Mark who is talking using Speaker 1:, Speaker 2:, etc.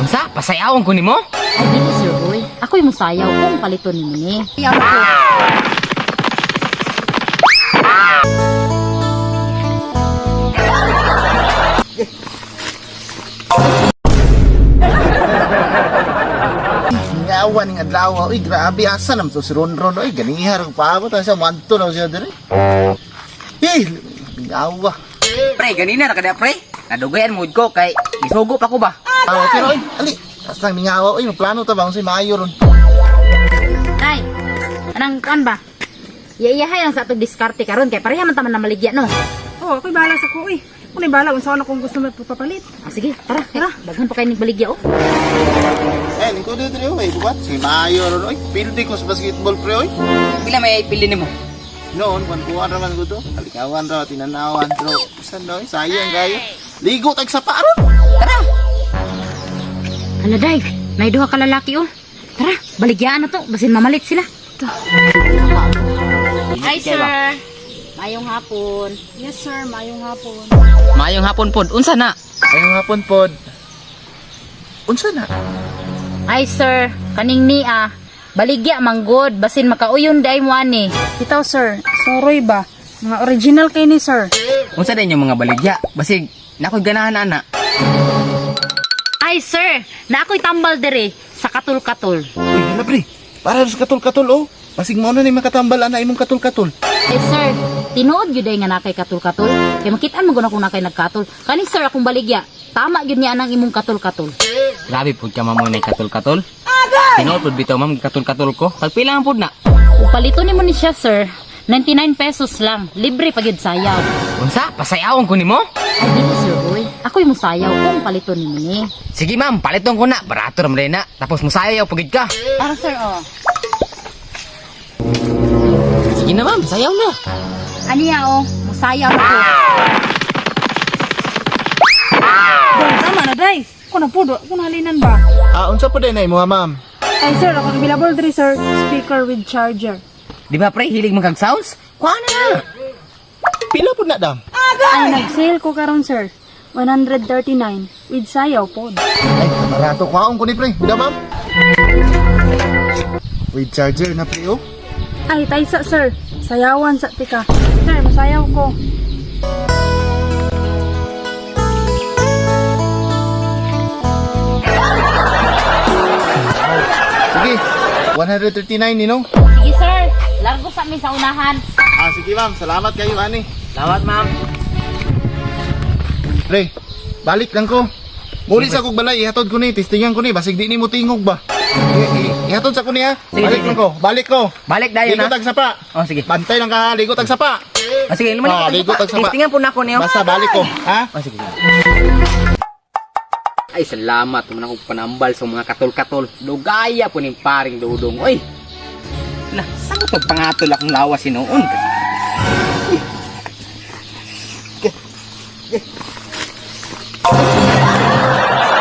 Speaker 1: Unsa? Pasayawon ko nimo?
Speaker 2: Ay, dili sir, boy. Ako yung musayaw kung paliton ni mo ni. Ayaw ko.
Speaker 3: Ngawan ng adlaw. Uy, grabe asa naman to si Ronron. Uy, ganihar ang paabot. Asa manto na siya diri. Ngawa.
Speaker 1: Pre, ganina na kada pre. Nadugayan mood ko kay isugo pa ko ba?
Speaker 3: Pero uy, ali. Asa nang ngawa. Uy, plano ta ba kung si Mayo ron?
Speaker 2: Tay, anang kuan ba? Iyahay lang sa atong diskarte karon kay pareha man taman na maligya no.
Speaker 4: Oh, ako'y bahala sa ko, Kung bahala, unsa na kung gusto mo papalit.
Speaker 2: Ah, sige, tara. Daghan pa kay ning baligya oh.
Speaker 3: Lingko dito rin. Uy, bukat. Si Mayo ron. Uy, pildi ko sa basketball pre. Uy.
Speaker 1: Pila may pili nimo?
Speaker 3: Noon, kuwan raman ko to. Kalikawan raw, tinanawan. Pero, saan no? Sayang kayo. Ligo tag sa paron.
Speaker 1: Tara.
Speaker 2: Hala day, may duha ka lalaki oh. Tara, baligyaan na to, basin mamalit sila. Hi sir. Mayong hapon.
Speaker 4: Yes, sir. Mayong hapon.
Speaker 1: Mayong hapon pod. Unsa na?
Speaker 3: Ayong hapon pod. Unsa na?
Speaker 2: Hi sir, kaning ni baligya manggod basin makauyon day mo ani.
Speaker 4: Itaw, sir. Soroy ba? Mga original kay ni, sir.
Speaker 1: Unsa din yung mga baligya? Basig nakoy ganahan ana.
Speaker 2: Hi sir, na ako'y tambal dere sa katul-katul.
Speaker 3: Uy, hala pre. Para sa katul-katul oh. Pasig mo na ni makatambal ana imong katul-katul.
Speaker 2: Eh sir, tinuod gyud day nga nakay katul-katul. Kay makitaan mo guna kung nakay nagkatul. Kani sir akong baligya, tama gyud niya anang imong katul-katul.
Speaker 1: Grabe pud ka mamoy nay katul-katul. Tinuod pud bitaw ma'am katul-katul ko. Pagpila man pud na.
Speaker 2: Upalito nimo ni siya sir, 99 pesos lang. Libre pa gyud sayaw.
Speaker 1: Unsa? Pasayawon ko nimo?
Speaker 2: Ay dili sir boy, ako yung musayaw kung palito nimo ni.
Speaker 1: Sige ma'am, paliton ko na. Barato ra na. Tapos musayaw pagid ka.
Speaker 2: Para sir oh.
Speaker 1: Sige na ma'am, sayaw na.
Speaker 2: Aniya oh, musayaw ako.
Speaker 4: Day, tama na, day. Kung napudo, kung halinan ba?
Speaker 3: Unsa pa din ay mo ma'am?
Speaker 4: Ay, sir. Ako available diri, sir. Speaker with charger.
Speaker 1: Di ba pre, hilig mo kag sounds? Kuha na.
Speaker 3: Pila pud na dam?
Speaker 4: Ay, nag-sale ko karon, sir. 139 with sayaw pod.
Speaker 3: Ay, barato kwaon ko ni pre. Bida ma'am. With charger na pre oh.
Speaker 4: Ay, taysa, sir. Sayawan sa tika. Sir, masayaw ko.
Speaker 3: Sige. 139 ni no?
Speaker 2: Sige sir, largo sa amin sa unahan.
Speaker 3: Sige ma'am. Salamat kayo ani.
Speaker 1: Salamat ma'am.
Speaker 3: Pre, balik lang ko. Muli sa kog balay, ihatod ko ni, testingan ko ni, basig di ni mo tingog ba? Ihatod sa ko ni ha.
Speaker 1: Sige,
Speaker 3: Balik
Speaker 1: sige.
Speaker 3: lang ko, balik ko.
Speaker 1: Balik dayon
Speaker 3: Ligo
Speaker 1: na.
Speaker 3: tag sapa.
Speaker 1: Oh sige.
Speaker 3: Bantay lang ka ha, ligo tag sapa.
Speaker 1: Oh sige, lumalik.
Speaker 3: Ligo tag sapa.
Speaker 1: Testingan po na ako niyo.
Speaker 3: Basta balik ko, ha?
Speaker 1: Oh sige. Ay, salamat naman ako panambal sa mga katol-katol. Dugaya po ning paring dudong. Oy. Lah, saan ko pangatol akong lawas sinuon?